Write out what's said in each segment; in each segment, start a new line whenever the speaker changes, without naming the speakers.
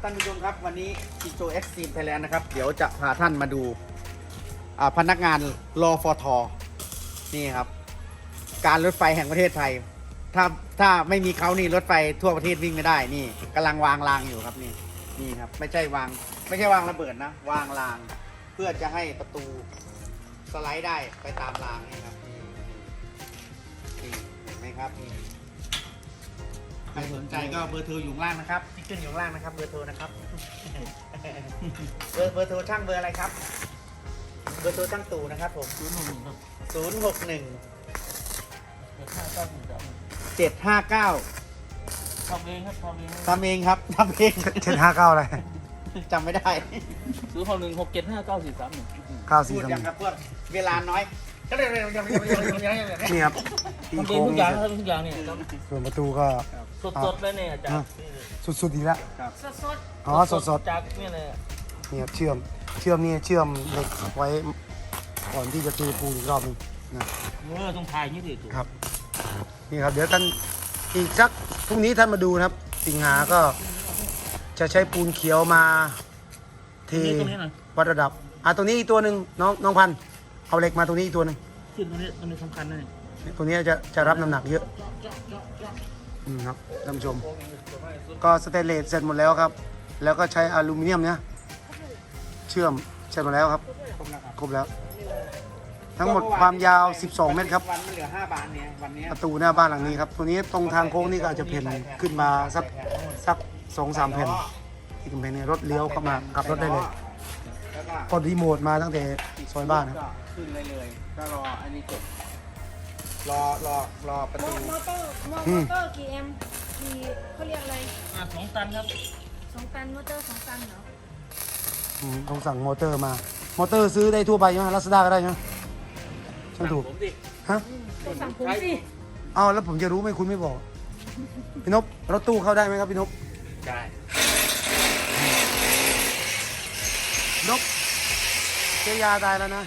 ท่านผู้ชมครับวันนี้จิโจเอ็กซ์ตรีมไทยแลนด์นะครับเดี๋ยวจะพาท่านมาดูพนักงานรอฟทนี่ครับการรถไฟแห่งประเทศไทยถ้าไม่มีเขานี่รถไฟทั่วประเทศวิ่งไม่ได้นี่กำลังวางรางอยู่ครับนี่ครับไม่ใช่วางระเบิดนะวางรางเพื่อจะให้ประตูสไลด์ได้ไปตามรางนี่ครับนี่เห็นไหมครับนี่ใครสนใจก็เบอร์โทรอยู่ข้างล่างนะครับที่ขึ้นอยู่ข้างล่างนะครับเบอร์โทรนะครับ เบอร์โทรช่างเบอร์อะไรครับเบอร์โทรช่างตู่นะครับผม061 759
ทำเองครับ
ทำเองครับทำเอง
759อะไร
จำไม่ได้
061675943
พูดยังครับเพื่อนเวลาน้อยก็เลย
นี่ครับตี
ทำเอ
โค้
ง
ง
ทุกอย่างครับทุกอย่างเนี่ย
ส่วนประตูก็
สดๆเลยเนี่ยจากนี่เลย
สุดๆอีกแล้ว
สด
อ๋อสด
จากนี่เลย
ๆนี่ครับเชื่อมนี่เชื่อมเหล็กไว้ก่อนที่จะเทปูนอีกรอบหนึงนะ
ต้องทายนี่ดิถูก
ครับนี่ครับเดี๋ยวท่านอีกสักพรุ่งนี้ท่านมาดูนะครับ สิงหาก็จะใช้ปูนเขียวมาเท
ตรงนี้หน่อย
วัดระดับตรงนี้อีกตัวหนึ่งน้องพันธุ์เอาเหล็กมาตรงนี้อีกตัวหนึ่ง
ขึ้นตรงนี้สำคัญนะเนี่ย
ตัวนี้จะรับน้ำหนักเยอะครับท่านผู้ชม ก็สเตนเลสเสร็จหมดแล้วครับ แล้วก็ใช้อลูมิเนียมเนี่ยเชื่อมเสร็จหมดแล้วครับครบแล้ว ทั้งหมดความยาว 12 เมตรครับ
วันมันเหลือ5 บาทเนี่ยวันนี้
ประตูหน้าบ้านหลังนี้ครับ ตัวนี้ตรงทางโค้งนี่ก็อาจจะเพ่นขึ้นมาสัก 2-3 แผ่นที่กำแพงเนี่ยรถเลี้ยวเข้ามาขับรถได้เลย
แล้วก็
กดรีโมทมาตั้งแต่ซอยบ้านครับ
ก็ขึ้นเลยก็รออันนี้จบรอประ
ๆม
ตู
อเตอร์กี่แอมป์กี่เขาเรียกอะไร
2 ตันครับ
2 ตันมอเตอร์2 ตันเหรอ
ต้องสั่งมอเตอร์มา มอเตอร์ซื้อได้ทั่วไปใช่ไหมลาซาด้าก็ได้ใช่ไหมช่างถูก
ผมดิ
ฮะ
ต้องสั่งผมสิ
เอาแล้วผมจะรู้ไหมคุณไม่บอก พี่นพรถตู้เข้าได้ไหมครับพี่นพ
ได้
นพเจยาตายแล้วนะ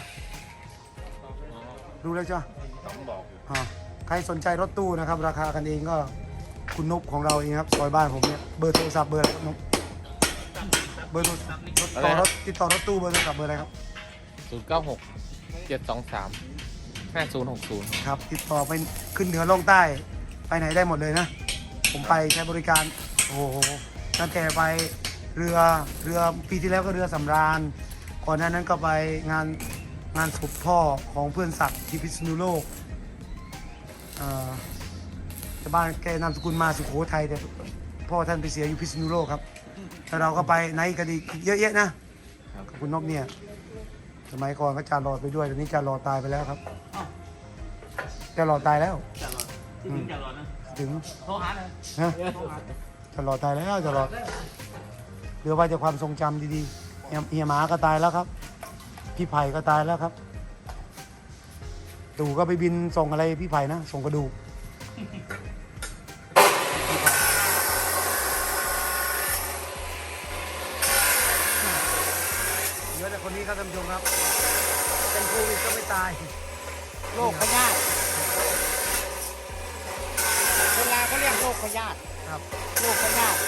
รู้แล้วใช่ไหม
ต้องบอก
ใครสนใจรถตู้นะครับ ราคากันเองก็คุณนพของเราเองครับซอยบ้านผมเนี่ยเบอร์โทรศัพท์เบอร์อะไรครับนพเบอร์โทรศัพท์ติดต่อรถตู้เบอร์โทรศัพท์เบอร์อะไรครับ
096 723 5060
ครับ ติดต่อไปขึ้นเหนือลงใต้ไปไหนได้หมดเลยนะ ผมไปใช้บริการโอ้โหตั้งแต่ไปเรือปีที่แล้วก็เรือสำราญก่อนหน้านั้นก็ไปงานศพพ่อของเพื่อนศักดิ์ที่พิษณุโลกชาวบ้านแกนามสกุลมาสุโขทัยแต่พ่อท่านไปเสียอยู่พิษณุโลกครับแล้วเราก็ไปไหนกันอีกเยอะแยะนะขอบคุณนกเนี่ยสมัยก่อนก็จารอดไปด้วยตอนนี้จารอดตายไปแล้วครับจารอดตายแล้ว
ที่ถึงจะรอนะ
ถึง
โทรหาเลย
นะจารอดตายแล้วจารอดเหลือไว้แต่ความทรงจำดีๆเฮียหมาก็ตายแล้วครับพี่ไผ่ก็ตายแล้วครับตู่ก็ไปบินส่งอะไรพี่ไผ่นะส่งกระดูกเหลือแต่คนนี้ครับท่านผู้ชมครับเป็นโควิดก็ไม่ตาย
โรคพยาธิคนลาวเขาเรียกโรคพยาธิ
ครับ
โรคพยาธิ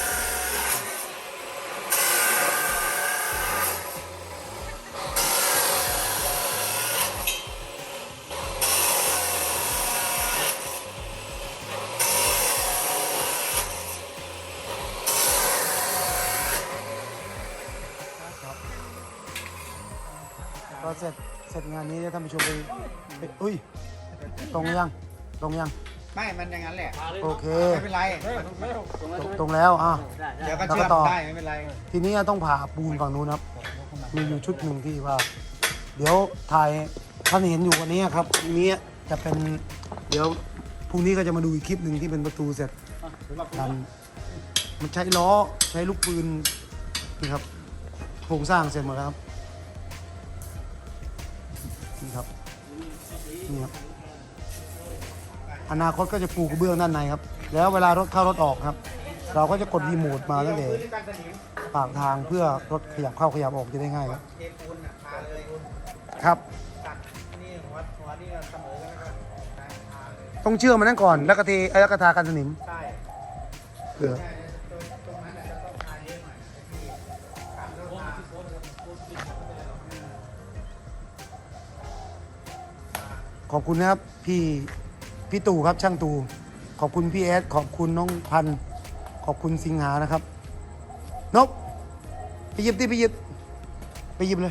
ก็เสร็จงานนี้ท่านผู้ชมไปอุ้ยตรงยัง
ไม่มันอย่างนั้นแหละ
โอเค
ไม่เป็นไร
ตรงแล้ว
เดี๋ยวก็
แล้ว
เชื่
ก็
อม
ต่อ
ได้ไม่เป็นไร
ทีนี้ต้องผ่าปูนฝั่งนู้นครับ มีอยู่ชุดหนึ่งที่ว่า เดี๋ยวถ่ายท่านเห็นอยู่วันนี้ครับนี้จะเป็นเดี๋ยวพรุ่งนี้ก็จะมาดูอีกคลิปหนึ่งที่เป็นประตูเสร็จกันมันใช้ล้อใช้ลูกปืนนี่ครับโครงสร้างเสร็จหมดแล้วครับนี่ครับนี่ครับอนาคตก็จะปูกระเบื้องด้านในครับ แล้วเวลารถเข้ารถออกครับ เราก็จะกดรีโมทมาตั้งแต่ปากทางเพื่อรถขยับเข้าขยับออกจะได้ง่ายครับ
เทปูนทาเลย
ครับ
ตัดนี่หัวนี่เสมอกันแล้วก็ทาเลย
ต้องเชื่อมมันนั่นก่อนแล้วก็เทแล้วก็ทากันสนิม
ใช่
เผื่อ
ตรงนั้นจะต้องทาเยอะหน่อย
ขอบคุณนะครับพี่ตู่ครับช่างตู่ขอบคุณพี่เอสขอบคุณน้องพันธุ์ขอบคุณสิงหานะครับนกไปหยิบดิไปหยิบเลย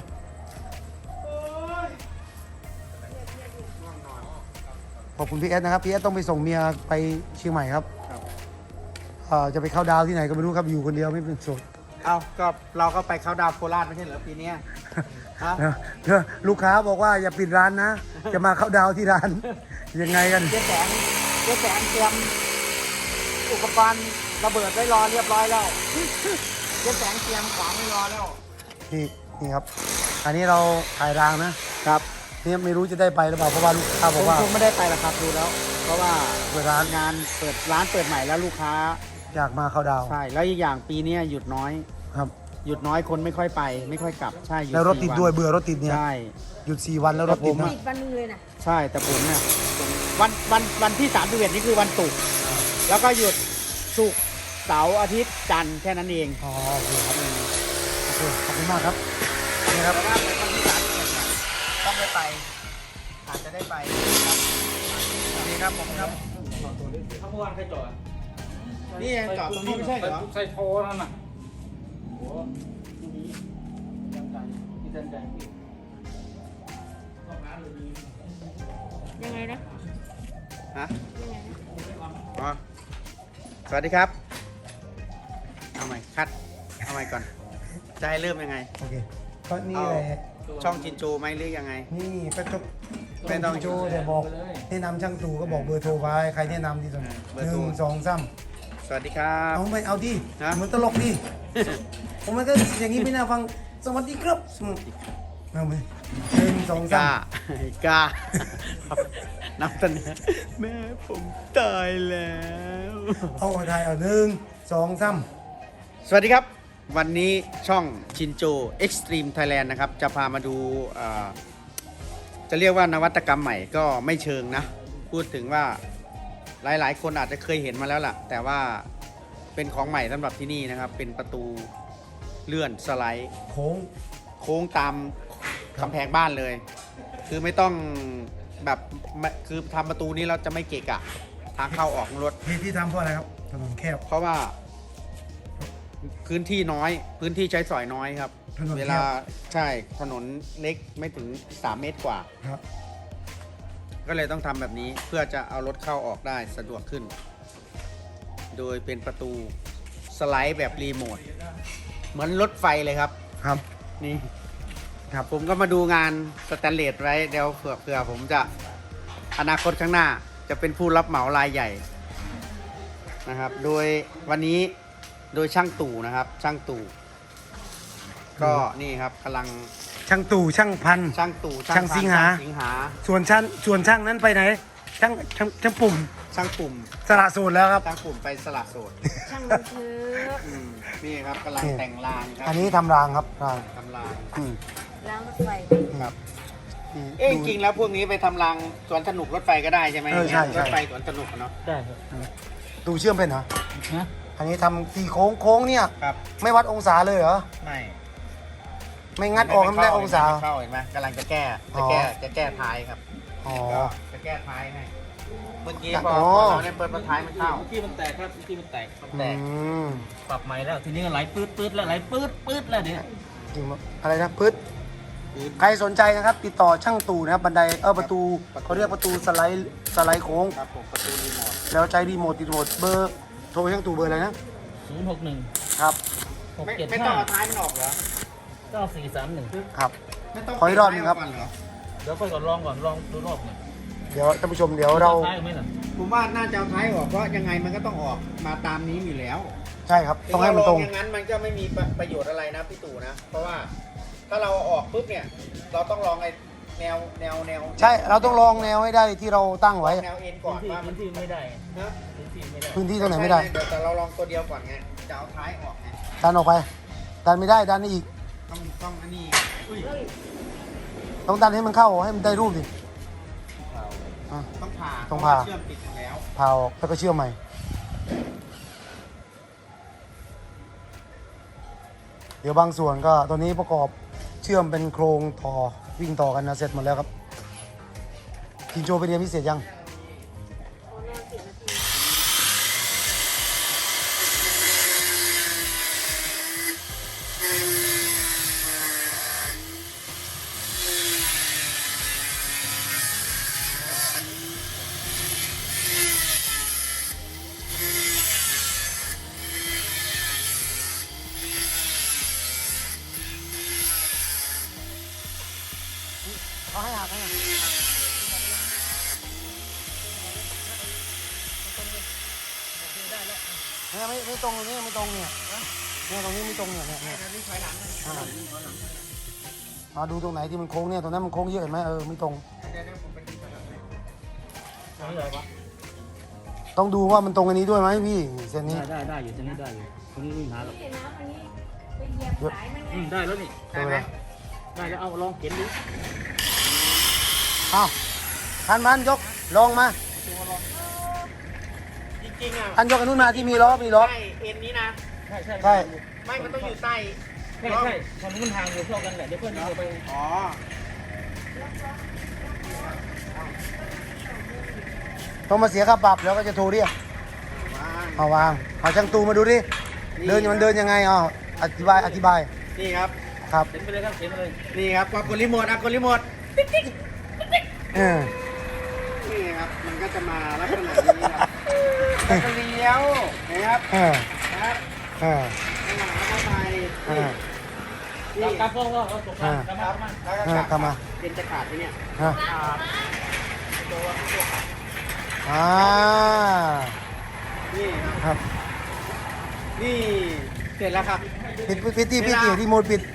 ขอบคุณพี่เอสนะครับพี่เอสต้องไปส่งเมียไปเชียงใหม่ครับจะไปเข้าดาวที่ไหนก็ไม่รู้ครับอยู่คนเดียวไม่เป็นโสด
เอาก็เราก็ไปเข้าดาวโคราชไม่ใช่เหรอปีเนี้ยฮะ
ลูกค้าบอกว่าอย่าปิดร้านนะ จะมาเข้าดาวที่ร้าน ยังไงกัน
เจ๊แสงเตรียมอุปกรณ์ระเบิดไว้รอเรียบร้อยแล้วเจ๊แสงเตรียมของไว้รอแล้ว
นี่ครับ อันนี้เราถ่ายรางนะครับนี่ไม่รู้จะได้ไปหรือเปล่าเพราะว่าลูกค้าบอกว่า
คงไม่ได้ไปละครับดูแล้ว เพราะว่า
เปิดร้าน
งานเปิดร้านเปิดใหม่แล้วลูกค้า
อยากมาเข้าดาว
ใช่แล้วอีกอย่างปีเนี้ยหยุดน้อย
ครับ
หยุดน้อยคนไม่ค่อยไป ไม่ค่อยกลับใช่หยุด
แล้วรถติด
4
ด้วยเบื่อรถติดเนี่ย
ใช่
หยุด4 วันแล้วรถติดนะ
ติดวันหนึงเลยนะ
ใช่แต่ผมเนี่ยวันที่31นี่คือวันศุกร์แล้วก็หยุดศุกร์เสาร์อาทิตย์จันทร์แค่นั้นเอง
อ๋อโอเคครับโอเคขอบคุณมากครับนี่ครับ
แต่ว่าวันที่31เนี่ยต้องได้ไปอาจจะได้ไปครับนี่ครับผมครับ
เขาเมื่อวานใครจอด
นี่เองจอดตรงนี้ไม่ใช่เหรอ
ใส่โทนั่นน่ะโอ้ที่นี้ตั้งใจที่ตั้งใจพี่ต้องร้านเลยดี
ยังไงนะ
ฮะ
ยังไงนะ
อ๋อสวัสดีครับเอาใหม่คัดเอาใหม่ก่อนจะให้เริ่มยังไง
โอเคก็นี่เลย
ช่องจินโจไหมหรือยังไง
นี่เป็นตัว
ไม่ต้อง
โจเดี๋ยวบอกแนะนำช่างตู่ก็บอกเบอร์โทรไว้ใครแนะนำที่สุด
เบอร์โทร
1 2 3
สวัสดีครับ
เอาไปเอาดิ
ฮะ
เหมือนตลกดิ ผมมันก็อย่างนี้ไม่น่าฟัง สวัสดีครับเอาไป1 2
กล้า
3
กล้านับตันเนี้ยแม่ผมตายแล้ว
เอาไทยเอา1 2 3
สวัสดีครับ วันนี้ช่องชินโจ Extreme Thailand นะครับ จะพามาดูจะเรียกว่านวัตกรรมใหม่ก็ไม่เชิงนะ พูดถึงว่าหลายๆ คนอาจจะเคยเห็นมาแล้วล่ะ แต่ว่าเป็นของใหม่สำหรับที่นี่นะครับ เป็นประตูเลื่อนสไลด์
โค้ง
โค้งตามกำแพงบ้านเลย คือไม่ต้องแบบคือทำประตูนี้เราจะไม่เกะกะทางเข้าออกของรถ
ที่ทำเพราะอะไรครับ ถนนแคบ
เพราะว่าพื้นที่น้อยพื้นที่ใช้สอยน้อยครับ
ถนนแคบ
เวลาใช่ถนนเล็กไม่ถึง3 เมตรกว่า
ครับ
ก็เลยต้องทำแบบนี้เพื่อจะเอารถเข้าออกได้สะดวกขึ้น โดยเป็นประตูสไลด์แบบรีโมทเหมือนรถไฟเลยครับ
ครับ
นี่ครับผมก็มาดูงานสแตนเลสไว้เดี๋ยวเผื่อผมจะอนาคตข้างหน้าจะเป็นผู้รับเหมารายใหญ่นะครับ โดยวันนี้โดยช่างตู่นะครับช่างตู่ก็นี่ครับกำลัง
ช่างตู่ช่างพัน
ช่างตู่
ช่างสิงหา
ช่สิงหา
ส่วนช่างนั้นไปไหน ช่างปุ่ม
ช่างปุ่ม
สละโสูตรแล้วครับ
ช่างปุ่มไปสละโสด
ช่างมันเถอะ
นี่ครับกำลังแต่งรางครั
อันนี้ทำรางครับราง
ทำราง
อืม
ล้างรถไฟ
ครับ
นี่
เอ๊ะจ
ดู
ริงๆแล้วพวกนี้ไปทำรางสวนสนุกรถไฟก็ได้ใช่ไหม
เออใช่ใช่
รถไฟสวนสนุกอะเนาะ
ได้ครับ
ดูเชื่อมเป็นเหรอ
ฮะ
อันนี้ทำตีโค้งเนี่ย
ครับ
ไม่วัดองศาเลยเหรอ
ไม่
ไม่งัดออกไม่ได้องศา
ไม่เข้าเห็นไหมกำลังจะแก้จะแก้ท้ายครับ
อ๋อ
ก็จะแก้ท้ายให้เมื่อกี้พอ
อ๋อ
เราเนี่ยเปิดท้ายมันเข้า
เมื่อกี้มันแตกครับเมื่อกี้มันแตก
แตก
ม
ปรับใหม่แล้วทีนี้ก็ไหลปื๊ดแล้วไหลปื๊ดแล้วเนี่ย
จริงปะอะไรนะพืชใครสนใจนะครับ ติดต่อช่างตู่นะครับบันไดประตูเขาเรียกประตูสไลด์โค้ง
ครับผมประตูรีโมท
แล้วใช้รีโมทติดโหมดเบอร์โทรช่างตู่เบอร์อะไรนะ
061
ครับ
ไม่ต้องเอาท้ายมันออกเหรอ
9431
ครับ
ไม่ต้อง
ขออีกรอบหนึ่งครับ
เปลี่ยนท้ายออกก่อนเหรอ
เดี๋ยวค่อยก่อนลองดูรอบหนึ่ง
เดี๋ยวท่านผู้ชมเดี๋ยวเรา
ท้ายไหมล่ะ
ผมว่าน่าจะเอาท้ายออกเพราะยังไงมันก็ต้องออกมาตามนี้อยู่แล้ว
ใช่ครับต้องให้มันตรง
อย่างนั้นมันก็ไม่มีประโยชน์อะไรนะพี่ตู่นะ เพราะว่าถ้าเราเอาออกปุ๊บเนี่ย เราต้องลองไอ้แนว
ใช่เราต้องลองแนวให้ได้ที่เราตั้งไว้
แนวเอ็นก่อนว่ามั
พื้
น
นที่ไม่ได้
นะ
พื้นที่ไม่ได้
พื้นที่ตรงไหนไม่ได้
เดี๋ยวแต่เราลองตัวเดียวก่อนไงจะเอาท้ายออกไง
ดันออกไป ดันไม่ได้ดันนี่อีก
ต้องอันนี้อุ้ย
ต้องดันให้มันเข้าให้มันได้รูปดิอ่ะ
ต้องผ่า
ต้องผ่า
เชื่อมติดอยู่แล้ว
พาออกแล้วก็เชื่อมใหม่ เดี๋ยวบางส่วนก็ตอนนี้ประกอบเชื่อมเป็นโครงต่อวิ่งต่อกันนะเสร็จหมดแล้วครับชินโจไปเรียนพิเศษยัง
ขอนอน10 นาที
เขาให้หักให้ไม่ตรงตรงนี้ไม่ตรงเนี่ยเนี่ยตรงนี้ไม่ตรงเนี่ยมาดูตรงไหนที่มันโค้งเนี่ยตรงนั้นมันโค้งเยอะเห็นไหมไม่ตรงต้องดูว่ามันตรงอันนี้ด้วยไหมพี่เส้นนี้
ได้อยู่เส้นนี้ได้อยู่ตรงนี้ไม่มีปัญหาหรอก
เห็นน้ำอันนี้ไปเหยียบสายมันไง
ได้แล้วนี่
ได้ไหม
ได้แล้วเอาลองเข็นดู
เอาพันยกลองมา
จริงๆอ่ะ
พันยกอันนู้นมาที่มีล้อ
ใช่เอ็นนี้นะ
ใช่
ใช่
ไม่มันต้องอยู่ใต้
ใช่ทางนู้นทางอยู่เท่ากันแหละเดี๋ยวเพื่อนเอาไป
อ๋อ
ต้องมาเสียค่าปรับแล้วก็จะโทรเรียกเอาวางเอาช่างตูมาดูดิเดินมันเดินยังไงอธิบาย
นี่ครับ
ครับ
เข็นไปเลยครับเข็นไปเลย
นี่ครับกดรีโมทกดรีโมท
เออ
นี่ครับ มันก็จะมาลักษณะนี้ครับแล้วก็เลี้ยวนะครับ ครับ แล้วก็ไปนี่
กลับพ่อเราตกมากลับมา
แล้วก็
กลับมา
เป็นจะขาดที่เนี่ย นี่ครับ
ครับ
นี่เสร็จแล้วครับ
ปิดที่โหมดปิด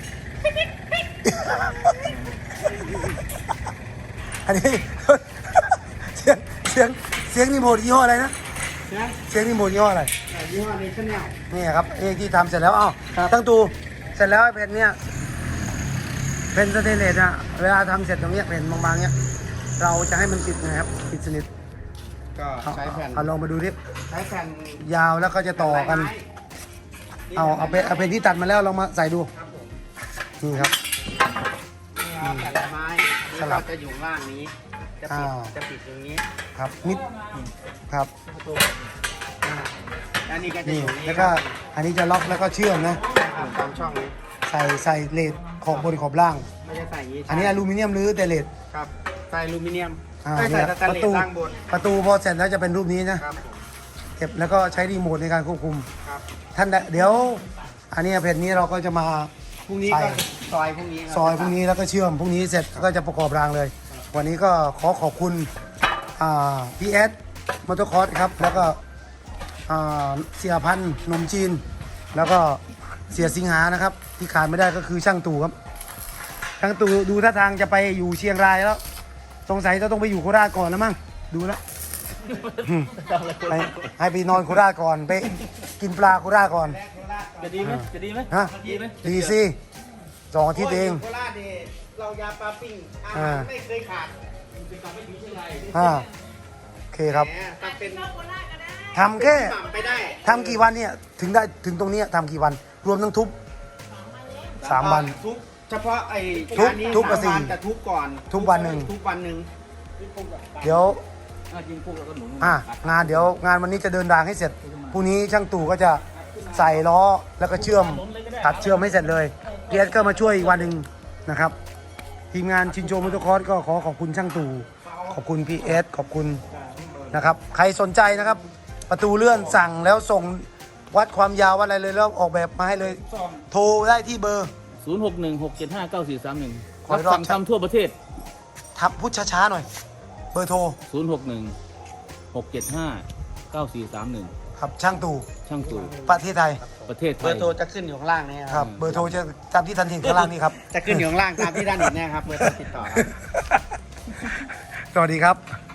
อันนี้ เสียงรีโมทยี่ห้ออะไรนะ
นะ
เสียงรีโมทยี่ห้ออะไร
ยี่ห้อเนชั่นแนล
นี่ครับที่ทำเสร็จแล้วตั้งตูเสร็จแล้วไอ้เพนเนี่ยเพนสเตนเลสอะเวลาทำเสร็จตรงเนี้ยเพนบางๆเนี้ยเราจะให้มันปิดนะครับปิดสนิท
ก็ใช้แผ่น
เอาลองมาดูดิ
ใช้แผ่น
ยาวแล้วก็จะต่อกันเอาเพนที่ตัดมาแล้วลองมาใส่ดู
ครับผม
นี่ครับ
นี่ครับแผ่นไม้นี่
สลั
ก็
บ
จะอยู่ข้างล่างนี้ จะปิดตรงนี้
ครับมิดครับ
แล้วนี่ก็จะ
นี่
อยู่นี่
แล้วก็อันนี้จะล็อกแล้วก็เชื่อมนะ
ตามช่องนี้
ใส่เลดขอบบนขอบล่าง
ไม่ได้ใส่อย่างนี้
อันนี้อลูมิเนียมหรือแต่เลด
ครับใส่อลูมิเนียม
เนี่
ใส่
ย
สแตนเลสล่างบน
ประตูพอเสร็จแล้วจะเป็นรูปนี้นะครับ
ผม
เก็บแล้วก็ใช้รีโมทในการควบคุม
ครับ
ท่านเดี๋ยวอันนี้เพจนี้เราก็จะมา
พรุ่งนี้ก็ซอยพรุ่งนี้ครับ
ซอยพรุ่งนี้แล้วก็เชื่อมพรุ่งนี้เสร็จก็จะประกอบรางเลย วันนี้ก็ขอบคุณพี่แอดมอเตอร์คอร์สครับแล้วก็เสียพันธ์นมจีน แล้วก็เสียสิงหานะครับ ที่ขาดไม่ได้ก็คือช่างตู่ครับช่างตู่ดูท่าทางจะไปอยู่เชียงรายแล้วสงสัยจะต้องไปอยู่โคราชก่อนแล้วมั้งดูแล้วให้ไปนอนโคราชก่อนไปกินปลาโคราชก่อน
จะดีไหมจะดีไหม
ฮะ
ดีไหม
ดีสิ2 อาทิตย์เอง
โคราชเนี่ยเรายาปลาปิ้งอาหารไม่เคยขาด
โอเคครับ
แหมถ้าเป็น
ทำแค่
หม่ำไปได้
ทำกี่วันเนี่ยถึงตรงเนี้ยทำกี่วัน รวมทั้งทุบ3 วัน
ทุบเฉพาะไอ้
ทุบ
งานนี้
ทุบกับ
สามวัน
สี่
แต่ทุบก่อน
ทุบวันหนึ่ง
ทุบวันหนึ่ง
เดี๋ยว
กินพวกเราก็หนุน
งานเดี๋ยวงานวันนี้จะเดินรางให้เสร็จพรุ่งนี้ช่างตู่ก็จะใส่ล้อแล้วก็เชื่อมตัดเชื่อมให้เสร็จเลยเกียร์ก็มาช่วยอีกวันหนึ่งนะครับ ทีมงานชินโจมอเตอร์คอร์สก็ขอบคุณช่างตู่ขอบคุณพีเอสขอบคุณนะครับใครสนใจนะครับ ประตูเลื่อนสั่งแล้วส่งวัดความยาววัดอะไรเลยแล้วออกแบบมาให้เลย โทรได้ที่เบอร์
0616759431
ขออีกรอบ
สั่งทำทั่วประเทศ
ทับพูดช้าๆหน่อย เบอร์โทร
0616759431
ครับช่างตู่
ช่างตู่
ประเทศไทย
ประเทศไท
เบอย ร์โทรจะขึ้นอยู่ข้างล่างนี้
ครับเบอร์โทรจะตามที่ทันเห็นข้างล่างนี้ครับ
จะขึ้นอยู่ข้างล่างตามที่ด้านเห็นเนี่ยครับเบอร์โทรติดต่อครับ
สวัสดีครับ